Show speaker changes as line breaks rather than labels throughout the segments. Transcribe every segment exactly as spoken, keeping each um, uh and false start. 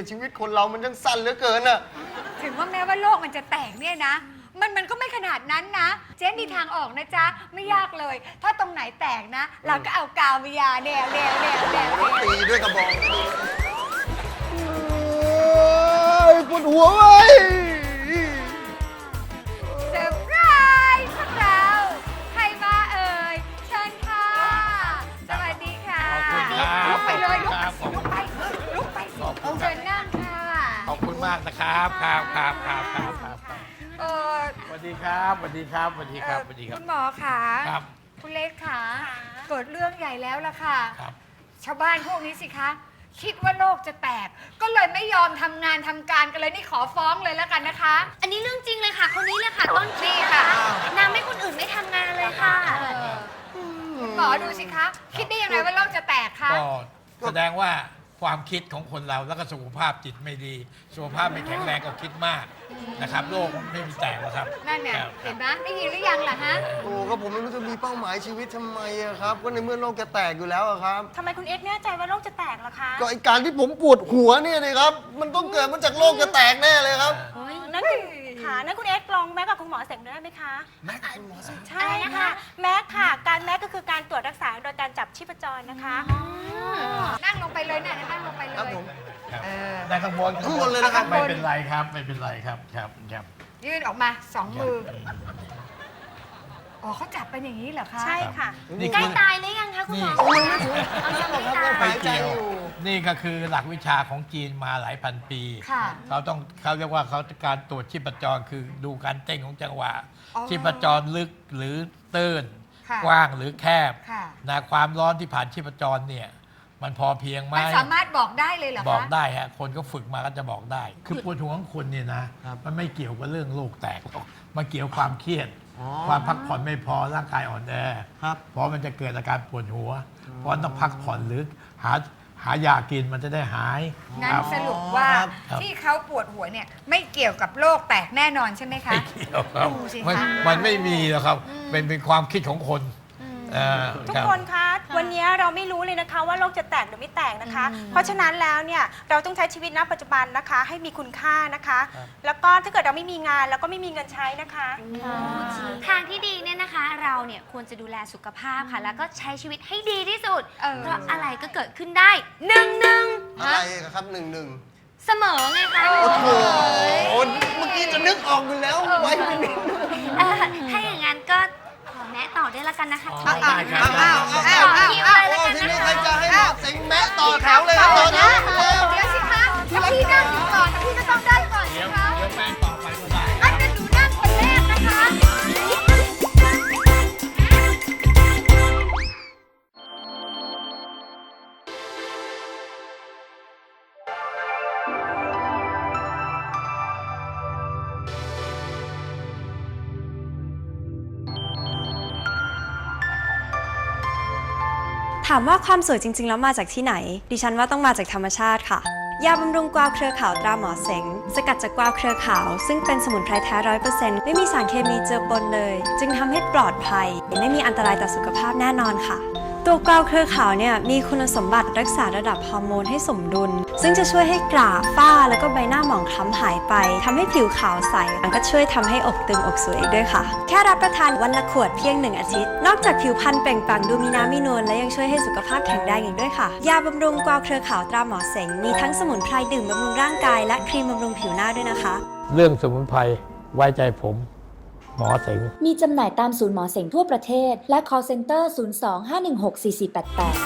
ชีวิตคนเรามันยังสั้นเหลือเกินอะ
ถึงว่าแม้ว่าโลกมันจะแตกเนี่ยนะมันมันก็ไม่ขนาดนั้นนะเจ๊มีทางออกนะจ๊ะไม่ยากเลยถ้าตรงไหนแตกนะ เราก็เอากาววิยาแนวแนวแนวแนว
ตีด้วยกระบอกปวดหัวเว้ย
เซอร์ไพรส์พวกเราใครมาเอ่ยเชิญค่ะสวัสดีค่ะลุกไปเลยลุกลุกไปลุกไปเชิญนั่งค่ะ
ขอบคุณมากนะครับครับครับครับครับครับ
เออ
สวัสดีครับสวัสดีครับสวัสดีครับสวัสดีครับ
คุณหมอค่ะ
ครับ
คุณเล็กค่ะเกิดเรื่องใหญ่แล้วล่ะค่ะ
ครับ
ชาวบ้านพวกนี้สิคะคิดว่าโลกจะแตกก็เลยไม่ยอมทำงานทำการกันเลยนี่ขอฟ้องเลยแล้วกันนะคะ
อันนี้เรื่องจริงเลยค่ะคนนี้เลยค่ะต้นคิดค่ะนางไม่คนอื่นไม่ทำงานเลยค่ะ
หมอดูสิคะคิดได้ยังไงว่าโลกจะแตกคะ
ก็แสดงว่าความคิดของคนเราแล้วก็สุขภาพจิตไม่ดีสุขภาพไม่แข็งแรงก็คิดมากนะครับโลกไม่มีแตกหรอกครับ
นั่นเนี่ยเห็นไหมได้ยินหรือยังล่ะฮะ
โอ้ก็ผมไม่รู้จะมีเป้าหมายชีวิตทำไมอะครับก็ในเมื่อโลกจะแตกอยู่แล้วอะครับ
ทำไมคุณเอ็กซ์แน่ใจว่าโลกจะแตกล่ะคะ
ก็ไอการที่ผมปวดหัวเนี่ยเลยครับมันต้องเกิดมาจากโลกจะแตกแน่เลยครับ
นั่นคุณค่ะนั่นคุณเอ็กซ์ลองแม็กกับคุณหมอเสงได้ไหมคะ
แม็กคุณหมอเสง
ใช่ค่ะแม็กค่ะการแม็กก็คือการตรวจรักษาโดยการจับชีพจรนะคะ
นั่งลงไปเลยเนี่ยนั่งลงไปเลย
ได้ข้างบน
ข้างบนเลยนะครับ
ไม่เป็นไรครับไม่เป็นไรครับครับครับ
ยื่นออกมาสองมืออ๋อเขาจับเป็นอย่างนี้เหรอคะ
ใช่ค่ะใกล้ตายหรือยังคะคุณหมอ
ยังไม่ตายไม่เกี่ยวนี่ก็คือหลักวิชาของจีนมาหลายพันปีเขาต้องเขาเรียกว่าเขาการตรวจชีพจรคือดูการเต้นของจังหวะชีพจรลึกหรือตื้นกว้างหรือแคบนะความร้อนที่ผ่านชีพจรเนี่ยมันพอเพียงไหม
มันสามารถบอกได้เลยเหรอคะ
บอกได้ฮะคนก็ฝึกมาก็จะบอกได้คือปวดหัวของคุณเนี่ยนะมันไม่เกี่ยวกับเรื่องโรคแตกหรอกมันเกี่ยวความเครียดความพักผ่อนไม่พอร่างกายอ่อนแอเพราะมันจะเกิดอาการปวดหัวเพราะต้องพักผ่อนหรือหาหายากินมันจะได้หาย
งั้นสรุปว่าที่เขาปวดหัวเนี่ยไม่เกี่ยวกับโรคแตกแน่นอนใช่ไหมคะ
ไม่เกี่ยวครับมันไม่มีหรอกครับเป็นเป็นความคิดของคน
ทุกคนคะวันนี้เราไม่รู้เลยนะคะว่าโลกจะแตกหรือไม่แตกนะคะเพราะฉะนั้นแล้วเนี่ยเราต้องใช้ชีวิตณปัจจุบันนะคะให้มีคุณค่านะคะแล้วก็ถ้าเกิดเราไม่มีงานเราก็ไม่มีเงินใช้นะคะ
ทางที่ดีเนี่ยนะคะเราเนี่ยควรจะดูแลสุขภาพค่ะแล้วก็ใช้ชีวิตให้ดีที่สุดเพราะอะไรก็เกิดขึ้นได้หนึ่งหนึ่ง
อะไรครับหนึ่งหนึ่ง
เสมอไงคะ
โอ้โหเมื่อกี้จะนึกออกอยู่แล้วไว้ไม่นิด
ถ้าอย่างนั้นก็แม่ต่อได้ละกันนะคะ
อ้าวอ้าว
อ้าวอ้าวอ้าวทีนี้ใครจะให้หมอเสงแม่ต่อแถวเลยครับต่อแถว
เดี๋ยวสิคะถ้าพี่นั่งอยู่ก่อนพี่ก็ต้องได้ก่อนสิคะ
เดี๋ยวแม่ต่อไปก็ได้
อันนั้นหนูนั่งคนแรกนะคะ
ถามว่าความสวยจริงๆแล้วมาจากที่ไหนดิฉันว่าต้องมาจากธรรมชาติค่ะยาบำรุงกวาวเครือขาวตราหมอเสงสกัดจากกวาวเครือขาวซึ่งเป็นสมุนไพรแท้ร้อยเปอร์เซ็นต์ไม่มีสารเคมีเจือปนเลยจึงทำให้ปลอดภัยไม่มีอันตรายต่อสุขภาพแน่นอนค่ะตัวกวาวเครือขาวเนี่ยมีคุณสมบัติรักษาระดับฮอร์โมนให้สมดุลซึ่งจะช่วยให้กราฝ้าแล้วก็ใบหน้าหมองคล้ำหายไปทำให้ผิวขาวใสแล้วก็ช่วยทำให้อกตึงอกสวยอีกด้วยค่ะแค่รับประทานวันละขวดเพียงหนึ่งอาทิตย์นอกจากผิวพรรณเปล่งปลั่งดูมีน้ำมีนวลและยังช่วยให้สุขภาพแข็งแรงอีกด้วยค่ะยาบำรุงกวาวเครือขาวตราหมอเสงมีทั้งสมุนไพรดื่มบำรุงร่างกายและครีมบำรุงผิวหน้าด้วยนะคะ
เรื่องสมุนไพรไว้ใจผมหมอเสง
มีจำหน่ายตามศูนย์หมอเสงทั่วประเทศและ call center ศูนย์ สอง ห้า หนึ่ง หก สี่ สี่ แปด แปด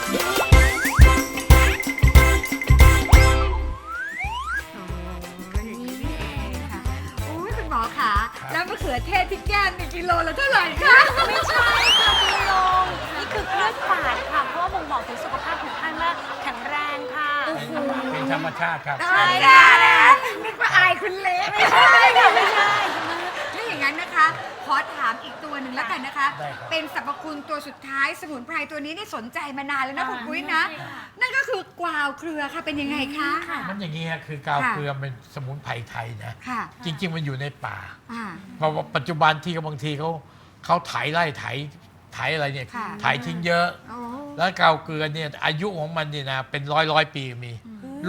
หมอคะแล้วมะเขือเทศที่แก้มมีกิโลละเท่าไหร่คะ
ไม่ใช่ค่ะคุณลุงนี่คือเลือดฝาดค่ะเพราะว่าบ่งบอกถึงสุขภาพของท่านว่าแข็งแรงค่ะ
เป็นธรรมชาติครับ
ใช่ค่ะนึกว่าอายคุณเล็กไม่ใช่ค่ะไม่ใช่ไม่อย่างนั้นนะคะขอถามอีกตัวหนึ่งแล้วกันนะคะเป็นสรรพคุณตัวสุดท้ายสมุนไพรตัวนี้นี่สนใจมานานแล้วนะคุณปุ้ยนะนั่นก็คือกวาวเครือค่ะเป็นยังไงคะ
มันอย่างนี้ครับคือกวาวเครือเป็นสมุนไพรไทยนะจริงๆมันอยู่ในป่าเพราะว่าปัจจุบันที่บางทีเขาเขาไถไล่ไถไถอะไรเนี่ยไถทิ้งเยอะแล้วกวาวเกลือเนี่ยอายุของมันเนี่ยนะเป็นร้อยร้อยปีมีลูก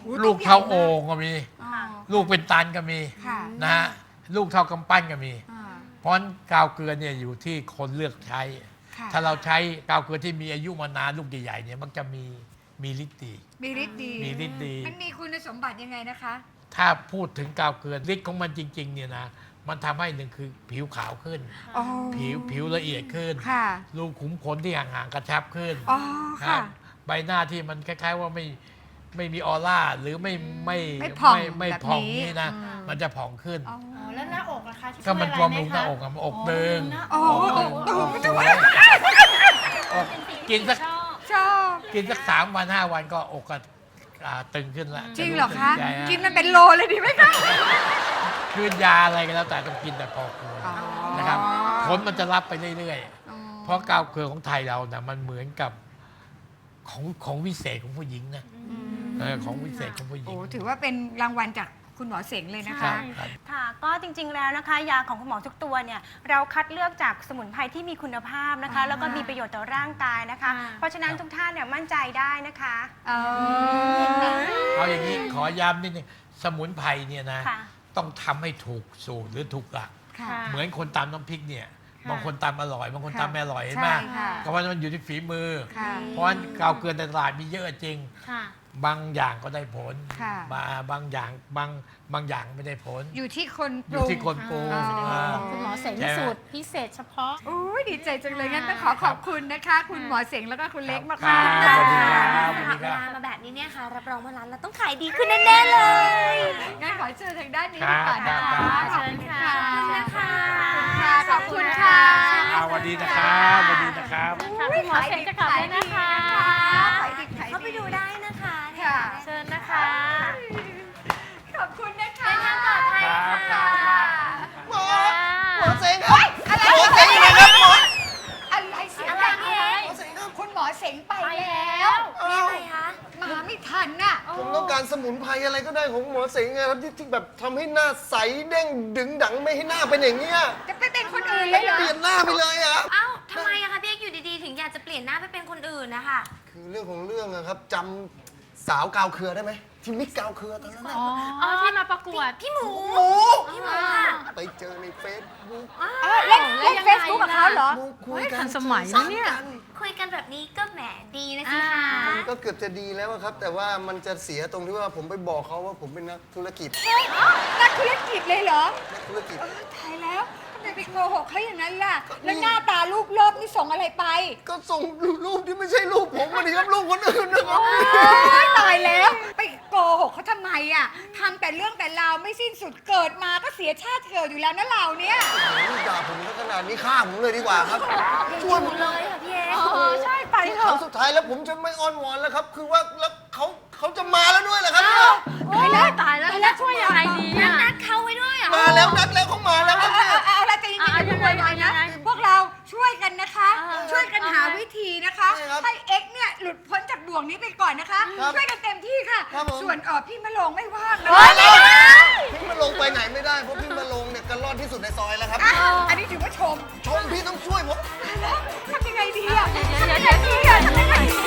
ลูกเท่าโอ่งก็มี
อ๋อ
ลูกเป็นตันก็มี
ค่ะ
นะฮะลูกเท่ากำปั้นก็มี
อ่า
เพราะฉะนั้นกาวเกลือเนี่ยอยู่ที่คนเลือกใช้
ค่ะ
ถ้าเราใช้กาวเกลือที่มีอายุมานานลูกใหญ่ๆเนี่ยมันจะมีมีฤทธิ์ดี
มีฤทธิ์ดี
มีฤทธิ์ดี
มันมีคุณสมบัติยังไงนะคะ
ถ้าพูดถึงกาวเกลือฤทธิ์ของมันจริงๆเนี่ยนะมันทำให้หนึ่งคือผิวขาวขึ้น
อ๋อ
ผิวผิวละเอียดขึ้น
ค่ะ
รูขุมขนที่ห่างๆกระชับขึ้น
อ๋อ
ค
ค่ะ
รับใบหน้าที่มันคล้ายๆว่าไม่ไม่มีออร่าหรือไม่ไม่
ไม่ผ่อง
ไม่ไม่
แบบ
ผ่อง
นี้
นี่นะ
อืม
มันจะผ่องขึ้น
อ๋อ
อ๋อแล้วหน้าอกล่ะคะช่วย
ก็มัน
อะไร
บำรุงหน้า
ไคะ
อกอะมันอกเดิง
โอ้ตูมจะว่า
อกกินสัก
ชอบ
ชอบ
กินสักสามวันห้าวันก็อกก็อ่าตึงขึ้นละ
จริงเหรอคะ
ใช่ฮ
กินมันเป็นโลเลยดีไหมคะ
คือยาอะไรก็แล้วแต่ต้องกินแต่พอควร
อ๋อ
นะครับผลมันจะรับไปเรื่อย
อ๋อ
ๆ เพราะกาวเกลือของไทยเรานะมันเหมือนกับของของวิเศษของผู้หญิงนะเออของวิเศษของผู้หญิ
โอ้
ง
ถือว่าเป็นรางวัลจากคุณหมอเสงเลยนะ
ครั
คะ
บครับ
ค่ะ ก็จริงๆแล้วนะคะ ยาของคุณหมอทุกตัวเนี่ยเราคัดเลือกจากสมุนไพรที่มีคุณภาพนะคะ
อ่า
แล้วก็มีประโยชน์ต่อร่างกายนะคะ เพราะฉะนั้นทุกท่านเนี่ยมั่นใจได้นะคะ
เออ
เอาอย่างนี้ขอย้ำนิดนึงสมุนไพรเนี่ยนะ
ค่ะ
ต้องทำให้ถูกสูตรหรือถูกหลัก
ค่ะ
เหมือนคนตำน้ำพริกเนี่ยบางคนตำอร่อยบางคน
ค่ะ
ตำไม่อร่อยเห็นไหม
ใช่ค่ะ
ก็เพราะมันอยู่ที่ฝีมือ
ค่ะ
เพราะฉะนั้นกาวเกลือในตลาดมีเยอะจริง
ค่ะ
บางอย่างก็ได้ผล
ค่ะ
บางบางอย่างบางบางอย่างไม่ได้ผล
อยู่ที่คน
อ
ป
ยู่
รุง
ที่คนปรุง
อ๋อ
อ่า
คุณหมอเสง
ใช่ไหม
สูตรพิเศษเฉพาะ
โอ้ยดีใจจังเลยงั้นต้องขอขอบคุณนะคะ คุณหมอเสงแล้วก็คุณเล็กมาก
ครั
ค่ะ
บสวัสดีครับ
เวลามาแบบนี้เนี่ยค่ะ รับรองว่าร้านเราต้องขายดีขึ้นแน่ๆเลย
งั้นขอเชิญทางด้านนี้ดีกว่านะ
ครั
คะ
บ
ขอบคุณค่ะ
ขอบคุณนะคะ
ขอบคุณค่ะ
อ่าสวัสดีนะครับสวัสดีนะครับ
ค่ะคุณหมอเสงจะกลับด้วยนะคะ
ขายดิบขายดี
เข้าไปดูได้นะคะ
ค่ะ
เชิญนะคะ
ขอบคุณนะคะ
เดินทางปลอดภัย
ครับ
ค่ะ
หมอหมอเสงครับ
อะไร
หมอเสงอยู่ไหนครับหมอ
อะไรเสียง
อะไร
ดัง
เนี่ย
หมอเสงครับคุณหมอเสงไปแล้ว
มีอะไรคะ
มาไม่ทันน่ะ
ผมต้องการสมุนไพรอะไรก็ได้ของหมอเสงนะครับที่ที่แบบทำให้หน้าใสเด้งดึงดังไม่ให้หน้าเป็นอย่างเงี้ย
จะไปเป็นคนอื่นเลยเหรอ
เปลี่ยนหน้าไปเลยอะครับ
เอ้าทำไมอะคะพี่เอกอยู่ดีๆ ถึงอยากจะเปลี่ยนหน้าไปเป็นคนอื่นนะคะ
คือเรื่องของเรื่องอะครับจำสาวกาวเครือได้ไหมที่มิกกาวเครือตอนนั้นอะ
อ๋อ ที่มาประกวด
พี่หมู
หมู
พี่หมูค่ะ
ไปเจอในเฟซบุ๊ก
เออเล่นเล่นเฟซบุ๊กกับเขาเหรอ
คุยกัน
ทันสมัยนะเนี่ย
คุยกันแบบนี้ก็แหมดีนะสิคะ
มันก็เกือบจะดีแล้วอะครับ แต่ว่ามันจะเสียตรงที่ว่าผมไปบอกเขาว่าผมเป็นนักธุรกิจ
นักธุรกิจเลยเหรอ
นักธุรกิจ
ตายแล้วทำไมไปโกหกเขาอย่างนั้นล่ะ แล้วหน้าตารูปเลิฟนี่ส่งอะไรไป
ก็ส่งรูปที่ไม่ใช่รูปผมมาดิครับรูปคนอื่นนะครับ
โอ๊ยตายแล้ว ไปโกหกเขาทำไมอ่ะทำแต่เรื่องแต่ราวไม่สิ้นสุดเกิดมาก็เสียชาติเกิดอยู่แล้วนะเราเนี่ย
โอ้ยด่าผมซะขนาดนี้ฆ่าผมเลยดีกว่าครับ ช่วยผม
เลยค่ะพี่เอก
เออใช่ไปเถ
ครั้
อะ
งสุดท้ายแล้วผมจะไม่อ้อนวอนแล้วครับ คือว่าแล้วเขาเขาจะมาแล้วด้วยเหรอครับเนี่ย
ตายแล้ว
ตายแล้วแล้วช่วยยังไงดี
นัด
อะ
นัดเขาไว้ด้วยเหรอ
มาแล้วนัดแล้วเขามาแล้วครับ
เอา
เนี่ย
เอาเอาละใจเย็นๆอย่าเพิ่งโวยวายนะ พวกเราช่วยกันนะคะ ช่วยกันหาวิธีนะคะ
ใช่ครับ
ให้เอ็กซ์เนี่ยหลุดพ้นจากบ่วงนี้ไปก่อนนะคะ
ครับ
ช่วยกันเต็มที่ค่ะ
ครับผม
ส่วนเออพี่มะโรงไม่ว่างนะ
พี่มาลงไปไหนไม่ได้เพราะพี่มาลงเนี่ยกันรอดที่สุดในซอยแล้วครับ
อ่ะอันนี้ถือว่าชม
ชมพี่ต้องช่วยผม
ทำยังไงดีอ่ะทำยังไงดีอ่ะทำยังไงดี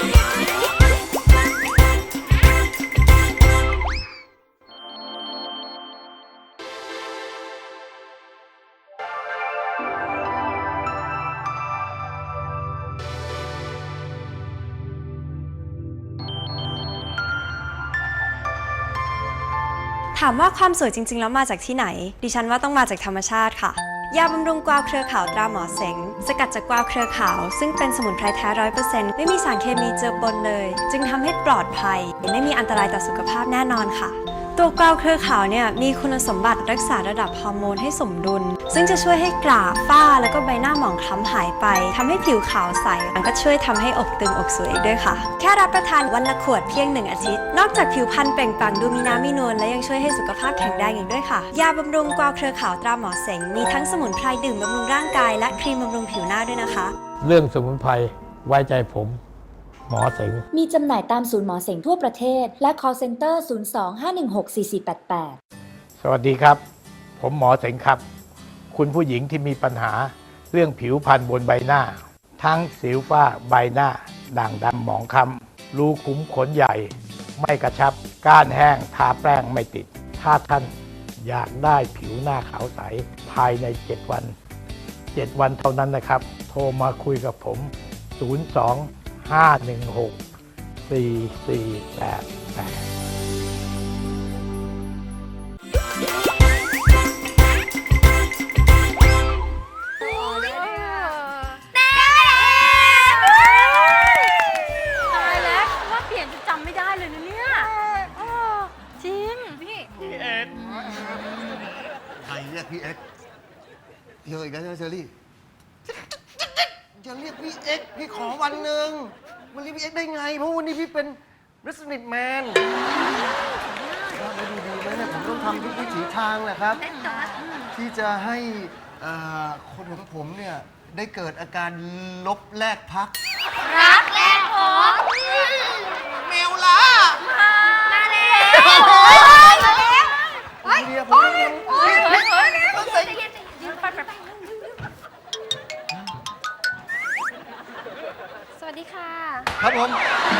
ถามว่าความสวยจริง ๆ แล้วมาจากที่ไหน ดิฉันว่าต้องมาจากธรรมชาติค่ะ ยาบำรุงกวาวเครือขาวตราหมอเสง สกัดจากกวาวเครือขาว ซึ่งเป็นสมุนไพรแท้ร้อยเปอร์เซ็นต์ไม่มีสารเคมีเจือปนเลย จึงทำให้ปลอดภัย ไม่มีอันตรายต่อสุขภาพแน่นอนค่ะ ตัวกวาวเครือขาวเนี่ยมีคุณสมบัติรักษาระดับฮอร์โมนให้สมดุล ซึ่งจะช่วยให้กราฝ้าแล้วก็ใบหน้าหมองคล้ำหายไปทำให้ผิวขาวใสมันก็ช่วยทำให้อกตึงอกสวยอีกด้วยค่ะ แค่รับประทานวันละขวดเพียงหนึ่งอาทิตย์ นอกจากผิวพรรณเปล่งปลั่งดูมีน้ำมีนวลและยังช่วยให้สุขภาพแข็งแรงอีกด้วยค่ะ ยาบำรุงกวาวเครือขาวตราหมอเสงมีทั้งสมุนไพรดื่มบำรุงร่างกายและครีมบำรุงผิวหน้าด้วยนะคะ
เรื่องสมุนไพรไว้ใจผม หมอเสง
มีจำหน่ายตามศูนย์หมอเสงทั่วประเทศ และ call center ศูนย์ สอง ห้า หนึ่ง หก สี่ สี่ แปด แปด
สวัสดีครับ ผมหมอเสงครับ คุณผู้หญิงที่มีปัญหาเรื่องผิวพรรณบนใบหน้า ทั้งสิวฝ้าใบหน้า ด่างดำหมองคล้ำรูขุมขนใหญ่ ไม่กระชับก้านแห้งทาแป้งไม่ติด ถ้าท่านอยากได้ผิวหน้าขาวใสภายใน เจ็ด วัน เจ็ด วันเท่านั้นนะครับ โทรมาคุยกับผม ศูนย์ สอง ห้า หนึ่ง หก สี่ สี่ แปด แปด
ตายแล้วว่าเปลี่ยนจะจำไม่ได้เลยนะเนี่ยเออจริง
พี่
ใครเรียกพี่เอ็กซ์เยอะอีกแล้วใช่ไหมเชอรี่จะเรียกพี่เอ็กซ์พี่ขอวันหนึ่งมันเรียกพี่เอ็กซ์ได้ไง เพราะวันนี้พี่เป็น Resident Man ครับแล้วดีๆไหมเนี่ยผมต้องทำทุกวิถีทางแหละครับ ที่จะให้เอ่อคนของผมเนี่ย ได้เกิดอาการลบแลกพัก
รักแรกพบ
แมวล่ะ
มาแล้ว
เฮ้ยเรียกผมเรียก
โอ้ยโอ้ยโอ้ยใจเย็นใจเย็นไปไปไป
สวัสดีค่ะ
ครับผม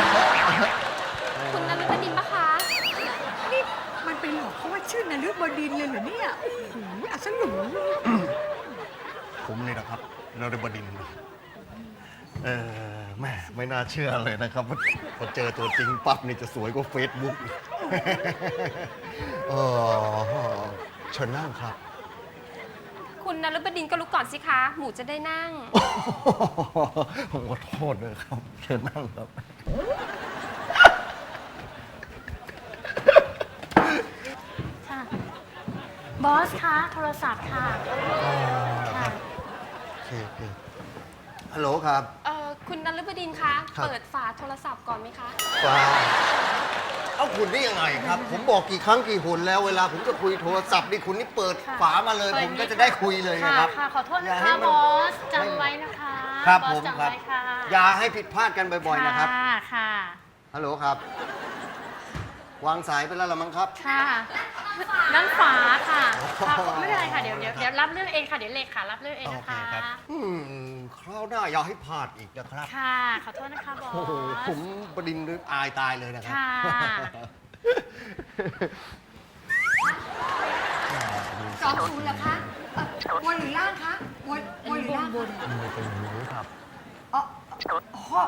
คุณนฤบดินปะคะ
นี่มันไปหลอกเขาว่าชื่อนฤบดินเลยเหรอเนี่ยโอ้โหอัศลุ
ผมเลยนะครับเราได้บดินทร์เออแม่ไม่น่าเชื่อเลยนะครับว่าพอเจอตัวจริงปั๊บนี่จะสวยกว่าเฟซบุ๊กเออเชิญนั่งครับ
คุณนฤบดินก็ลุกก่อนสิคะ หมูจะได้นั่ง
ผมขอโทษด้วยครับ เชิญนั่งครับ
ค่ะ บอสคะโทรศัพท์ค่ะ ค่ะ
โอเคโอเคฮัลโหลครับ
เอ่อ คุณนฤบดินคะ
ครับ
เปิดฝาโทรศัพท์ก่อนไหมคะ
ฟ้าเอาคุณได้ยังไงครับ ผมบอกกี่ครั้งกี่หนแล้วเวลาผมจะคุยโทรศัพท์นี่คุณนี่เปิด
ค่ะ
ฝามาเลย
เปิด
ผมก็จะได้คุยเลย
ค่ะ
นะครับ
ค่ะ ขอโทษ
อย่า
นะ
ให้
คะ
มัน
บอสจำไว้นะคะ
ครับ
อ
ผ
ส
ม
จำ
ครับ
ไว้ค่ะ
อย่าให้ผิดพลาดกันบ่อยๆนะครับ
ค่ะ ค่ะ
ฮัลโหลครับ วางสายไปแล้วละมั้งครับ
ค่ะนั่นฝาค่ะ
อ๋อ
ค่ะไม่เป็นไรค่ะ เดี๋ยวเดี๋ยวเดี๋ยวรับเรื่องเองค่ะ เดี๋ยวเลขารับเรื่องเอง
โอ
นะ
เค
คะ
ครับอืมคราวหน้าอย่าให้พลาดอีกนะครับ
ค่ะ ขอโทษนะคะบอส
โอ้โห ผมบดินทร์อายตายเลยนะครับ
ค่ะ
สองศูนย์เหรอคะเอ่อบนหรือล่างคะบนบนหรือล่างบน
มือเป็นหนูครับ
อ๋ออ๋อ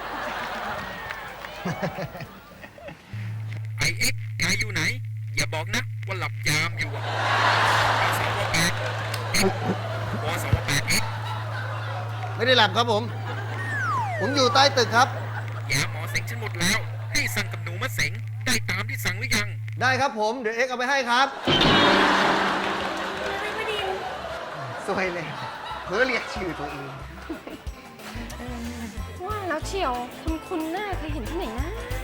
ไอเอ็กซ์นายอยู่ไหน อย่าบอกนะว่าหลับยามอยู่อะวสวแปดวสวแปดเอ็กซ์
ไม่ได้หลับครับผม ผมอยู่ใต้ตึกครับ
ยาหมอเสงฉันหมดแล้ว ให้สั่งกับหนูมาเสงได้ตามที่สั่งหรือยัง
ได้ครับผม เดี๋ยวเอ็กซ์เอาไปให้ครับสวยเลยเพื่อเรียกชื่อตัวเอง
ว่าแล้วเชียว คุณคุณหน้าเคยเห็นที่ไหนนะ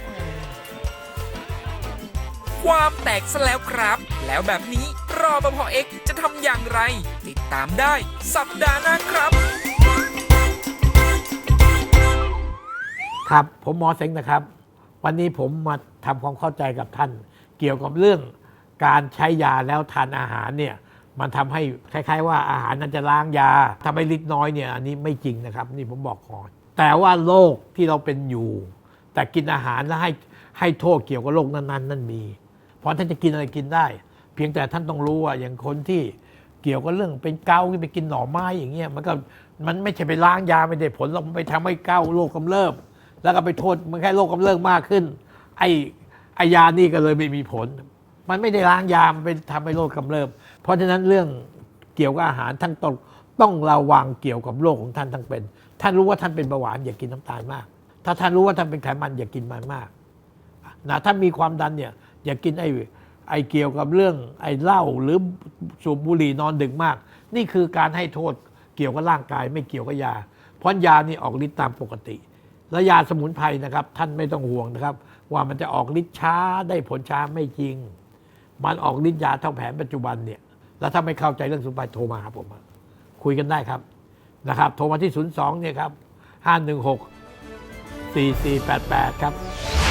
ความแตกซะแล้วครับ แล้วแบบนี้รอปภเอ็กซ์จะทำอย่างไร ติดตามได้สัปดาห์หน้าครับ
ครับผมหมอเสงนะครับ วันนี้ผมมาทำความเข้าใจกับท่าน เกี่ยวกับเรื่องการใช้ยาแล้วทานอาหารเนี่ยมันทำให้คล้ายๆว่าอาหารนั้นจะล้างยาทำให้ฤทธิ์น้อยเนี่ยอันนี้ไม่จริงนะครับนี่ผมบอกก่อนแต่ว่าโรคที่เราเป็นอยู่ แต่กินอาหารแล้วให้ให้โทษเกี่ยวกับโรคนั้นๆนั่นมี เพราะท่านจะกินอะไรกินได้ เพียงแต่ท่านต้องรู้ว่าอย่างคนที่เกี่ยวกับเรื่องเป็นเกาต์ที่ไปกินหน่อไม้อย่างเงี้ยมันก็มันไม่ใช่ไปล้างยาไม่ได้ผลหรอกมันไปทำให้เกาต์โรคกำเริบแล้วก็ไปโทษมันแค่โรคกำเริบมากขึ้นไอ้ไอยานี่ก็เลยไม่มีผล มันไม่ได้ล้างยามันไปทำให้โรคกำเริบเพราะฉะนั้นเรื่องเกี่ยวกับอาหารท่านต้องต้องระวังเกี่ยวกับโรคของท่านทั้งเป็นท่านรู้ว่าท่านเป็นเบาหวานอย่ากินน้ำตาลมากถ้าท่านรู้ว่าท่านเป็นไขมันอย่ากินมันมากนะถ้ามีความดันเนี่ยอย่ากินไอ้ไอ้เกี่ยวกับเรื่องไอ้เหล้าหรือสูบบุหรี่นอนดึกมากนี่คือการให้โทษเกี่ยวกับร่างกายไม่เกี่ยวกับยาเพราะยานี่ออกฤทธิ์ตามปกติและยาสมุนไพรนะครับท่านไม่ต้องห่วงนะครับว่ามันจะออกฤทธิ์ช้าได้ผลช้าไม่จริงมันออกฤทธิ์ยาเท่าแผนปัจจุบันเนี่ยแล้วถ้าไม่เข้าใจเรื่องสมุนไพรโทรมาครับผมคุยกันได้ครับนะครับโทรมาที่ศูนย์สองเนี่ยครับห้าหนึ่งหกสี่สี่แปดแปดครับ